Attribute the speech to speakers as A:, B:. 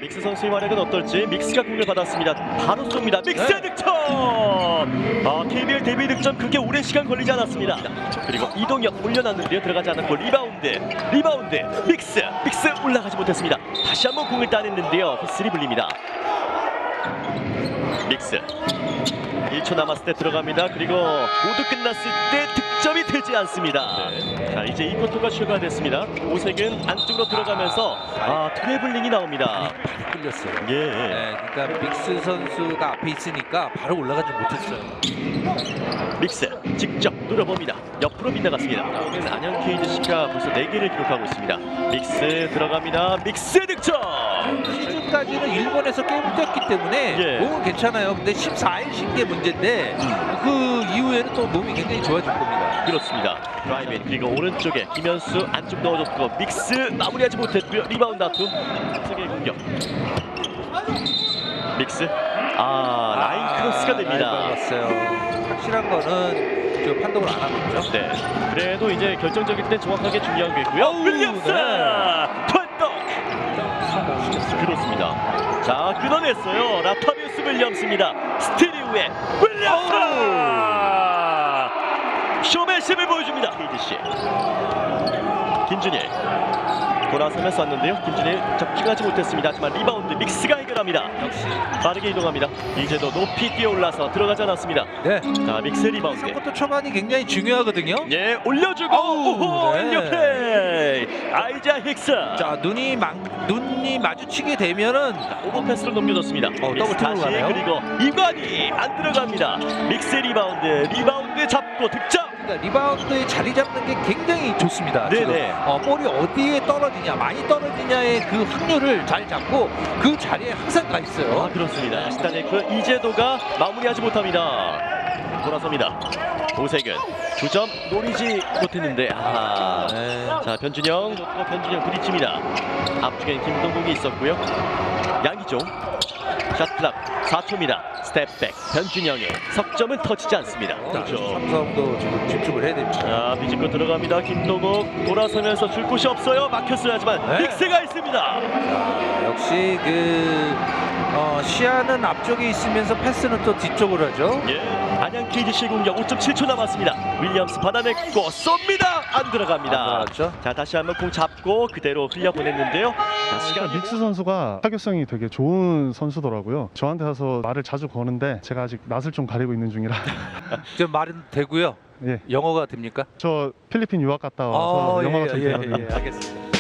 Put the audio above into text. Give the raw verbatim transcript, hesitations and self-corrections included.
A: 믹스 선수의 활약은 어떨지. 믹스가 공을 받았습니다. 바로 쏩니다. 믹스
B: 네.
A: 득점! 아, 케이비엘 데뷔 득점 그렇게 오랜 시간 걸리지 않았습니다. 그리고 이동혁 올려놨는데요. 들어가지 않았고 리바운드. 리바운드. 믹스. 믹스 올라가지 못했습니다. 다시 한번 공을 따냈는데요. 휘슬이 불립니다. 믹스. 일 초 남았을 때 들어갑니다. 그리고 모두 끝났을 때 득점이 되지 않습니다. 네. 자, 이제 이 쿼터가 추가됐습니다. 오색은 안쪽으로 들어가면서 아, 트래블링이 나옵니다.
B: 많이 끌렸어요.
A: 예.
B: 네, 그러니까 믹스 선수가 앞에 있으니까 바로 올라가지 못했어요.
A: 믹스 직접 노려봅니다. 옆으로 빗나갔습니다. 오늘 안양 케이지씨가 벌써 네 개를 기록하고 있습니다. 믹스 들어갑니다. 믹스 득점!
B: 시즌까지는 일본에서 게임을 뛰었기 때문에
A: 예.
B: 몸은 괜찮아요. 근데 십사 일 쉰 게 문제인데
A: 음.
B: 그 이후에는 또 몸이 굉장히 좋아질 겁니다.
A: 그렇습니다. 드라이브인 그리고 오른쪽에 김현수 안쪽 넣어줬고 믹스 마무리하지 못했고요. 리바운드 아투 세계 공격. 믹스 아 라인 크로스가 됩니다.
B: 봤어요. 확실한 거는 저 판독을 안 하고 있죠.
A: 네. 그래도 이제 결정적일 때 정확하게 중요한 게 있고요.
B: 어우,
A: 윌리엄스
B: 네.
A: 판독. 그렇습니다. 자 끊어냈어요. 라타비우스 윌리엄스입니다. 스틸 이후에 윌리엄스 쇼맨십을 보여줍니다. 케이지씨 김준일 돌아서면서 왔는데요. 김준일 적중하지 못했습니다. 하지만 리바운드 믹스가 해결합니다.
B: 역시
A: 빠르게 이동합니다. 이제도 높이 뛰어올라서 들어가지 않았습니다.
B: 네.
A: 자 믹스 리바운드.
B: 삼쿼터 초반이 굉장히 중요하거든요.
A: 예 올려주고 오호
B: 네.
A: 인력플레이 아이자 힉스.
B: 자 눈이 막 눈이 마주치게 되면은
A: 오버패스로 넘겨줬습니다.
B: 어,
A: 믹스
B: 더블
A: 다시
B: 톱으로 가네요.
A: 그리고 이관이 안 들어갑니다. 믹스 리바운드 리바운드 잡고 득점.
B: 그러니까 리바운드에 자리 잡는 게 굉장히 좋습니다.
A: 네네.
B: 지금 어, 볼이 어디에 떨어지냐, 많이 떨어지냐의 그 확률을 잘 잡고 그 자리에 항상 가 있어요.
A: 아 그렇습니다. 시타네크 이재도가 마무리하지 못합니다. 돌아섭니다. 오색은 두 점 노리지 못했는데 아.
B: 네.
A: 자 변준영 좋고 변준영 부딪힙니다. 앞쪽엔 김동국이 있었고요. 양기종 샷클락 사 초입니다. 스텝백 변준영의 석점은 터치지 않습니다.
B: 그렇죠. 삼성도 지금 집중을 해야 됩니다.
A: 자 비집고 들어갑니다. 김동국 돌아서면서 줄 곳이 없어요. 막혔어요. 하지만
B: 네.
A: 빅스가 있습니다.
B: 자, 역시 그 어, 시야는 앞쪽에 있으면서 패스는 또 뒤쪽으로 하죠.
A: 예, 안양 케이지씨 공격 오 점 칠 초 남았습니다. 윌리엄스 받아냈고 쏩니다. 안 들어갑니다.
B: 안 들어갔죠?
A: 자 다시 한번 공 잡고 그대로 흘려보냈는데요. 자 시간이
C: 그러니까 믹스 선수가 타격성이 되게 좋은 선수더라고요. 저한테 와서 말을 자주 거는데 제가 아직 낯을 좀 가리고 있는 중이라.
B: 좀 말은 되고요.
C: 예,
B: 영어가 됩니까?
C: 저 필리핀 유학 갔다 와서
B: 아,
C: 영어가
B: 예,
C: 좀
B: 예,
C: 돼요.
B: 예, 알겠습니다.